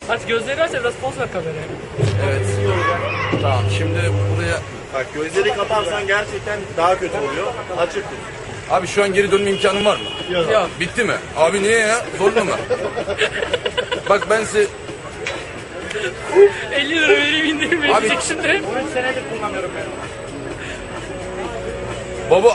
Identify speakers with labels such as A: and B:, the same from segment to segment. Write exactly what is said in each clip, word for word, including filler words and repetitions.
A: Aç gözleri aç, biraz poz ver kameraya.
B: Evet. Tamam, şimdi buraya...
C: Bak gözleri kaparsan gerçekten daha kötü oluyor. Açık tut.
B: Abi şu an geri dönme imkanım var mı?
C: Yok.
A: Yok.
B: Bitti mi? Abi niye ya? Zorla mı? Bak ben size...
A: elli lira vereyim indirim
B: Abi-
A: verecek şimdi.
C: üç senedir kullanıyorum ben.
B: Baba...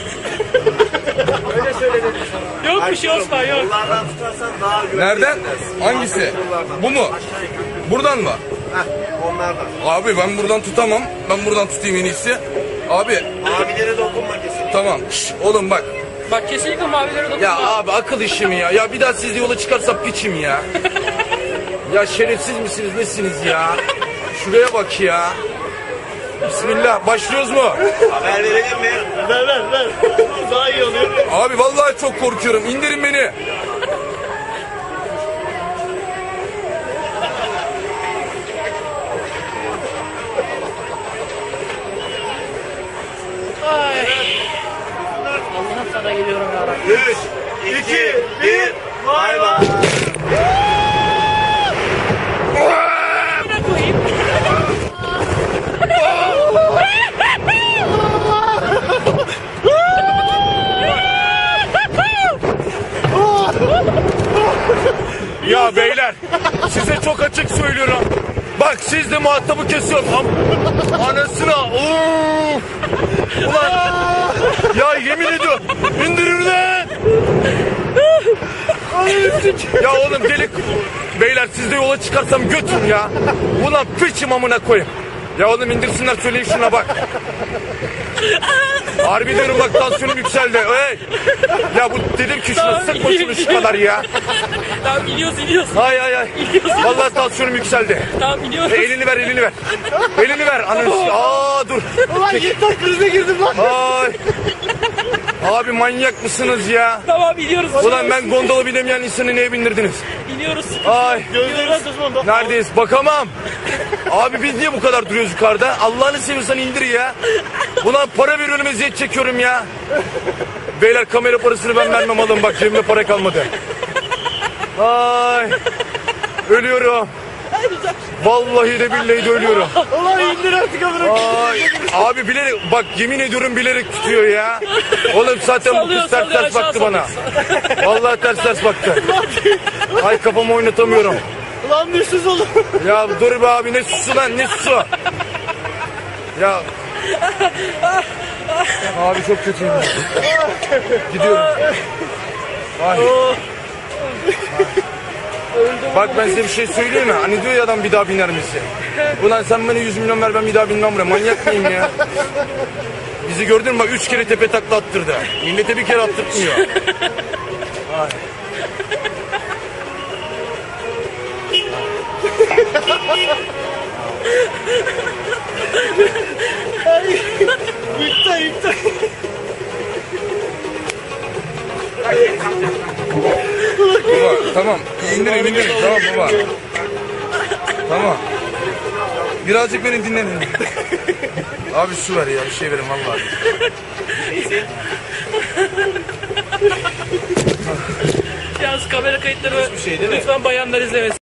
C: Öyle söyledim sana.
A: Yok bir şey Osman yok.
C: Kollardan tutarsan daha güvenli.
B: Nereden?
C: hissedersin.
B: Hangisi?
C: Kollardan.
B: Bu mu?
C: Aşağı yukarı.
B: Buradan mı?
C: Heh, onlardan.
B: Abi ben buradan tutamam. Ben buradan tutayım en iyisi. Abi
C: Abilere dokunma kesinlikle.
B: tamam. Şş, oğlum bak.
A: Bak kesinlikle mavilere dokunma.
B: Ya abi akıl işi mi ya? Ya bir daha siz yola çıkarsam piçim ya. Ya şerefsiz misiniz nesiniz ya? Şuraya bak ya. Bismillah başlıyoruz mu?
C: Haber verelim mi? Ver ver ver. Daha iyi oluyor.
B: Abi vallahi çok korkuyorum. İndirin beni.
A: Ay. Allah'ım sana geliyorum ya Rabbi.
C: üç, iki, bir. Bay bay.
A: Ne koyayım?
B: Ya beyler size çok açık söylüyorum. Bak siz de muhatabı kesiyorum. Am- Anasına. Uf. Ulan. Ya yemin ediyorum. İndirir lan. Ya oğlum delik. Beyler siz de yola çıkarsam götürün ya. Ulan piçim amına koyayım. Ya oğlum indirsinler söyleyin şuna bak. Harbi diyorum bak tansiyonum yükseldi. Hey. Ya bu dedim ki şuna sıkma şunu şu kadar ya.
A: Tamam iniyoruz iniyoruz.
B: Hay hay hay. Vallahi tansiyonum yükseldi.
A: Tamam iniyoruz.
B: E, elini ver elini ver. Elini ver. Ananı. Aa dur.
C: Ulan yeter krize girdim lan.
B: Ay. Abi manyak mısınız ya?
A: Tamam iniyoruz.
B: Ulan ben gondola binemeyen insanı neye bindirdiniz?
A: İniyoruz.
B: Ay.
C: Gözlerini tutma.
B: Neredeyiz? Bakamam. Abi biz niye bu kadar duruyoruz yukarıda? Allah'ını seviyorsan indir ya. Ulan para veriyorum eziyet çekiyorum ya. Beyler kamera parasını ben vermem alın bak cebimde para kalmadı. Ay. Ölüyorum. Vallahi de billahi de ölüyorum.
C: Ulan indir artık amına.
B: Ay. Abi bilerek bak yemin ediyorum bilerek tutuyor ya. Oğlum zaten bu
A: Sallıyor,
B: kız ters
A: sallıyor,
B: ters
A: aşağı
B: baktı bana. Vallahi ters ters baktı. Ay kafamı oynatamıyorum.
C: Ulan düşsüz oğlum.
B: Ya dur be abi ne susu lan ne susu. Ya. Abi çok kötüyüm. Gidiyorum. Ay. Bak ben size bir şey söyleyeyim mi? Hani diyor ya adam bir daha biner misin? Ulan sen bana yüz milyon ver ben bir daha binmem buraya. Manyak mıyım ya? Bizi gördün mü bak üç kere tepe takla attırdı. Millete bir kere attırtmıyor. Ay.
C: Yükle yükle.
B: Baba tamam indirin indirin tamam baba. Tamam. Birazcık beni dinlenin. Abi su ver ya bir şey verin vallahi.
A: Yalnız kamera kayıtları
C: şey değil mi?
A: lütfen bayanlar izlemesin.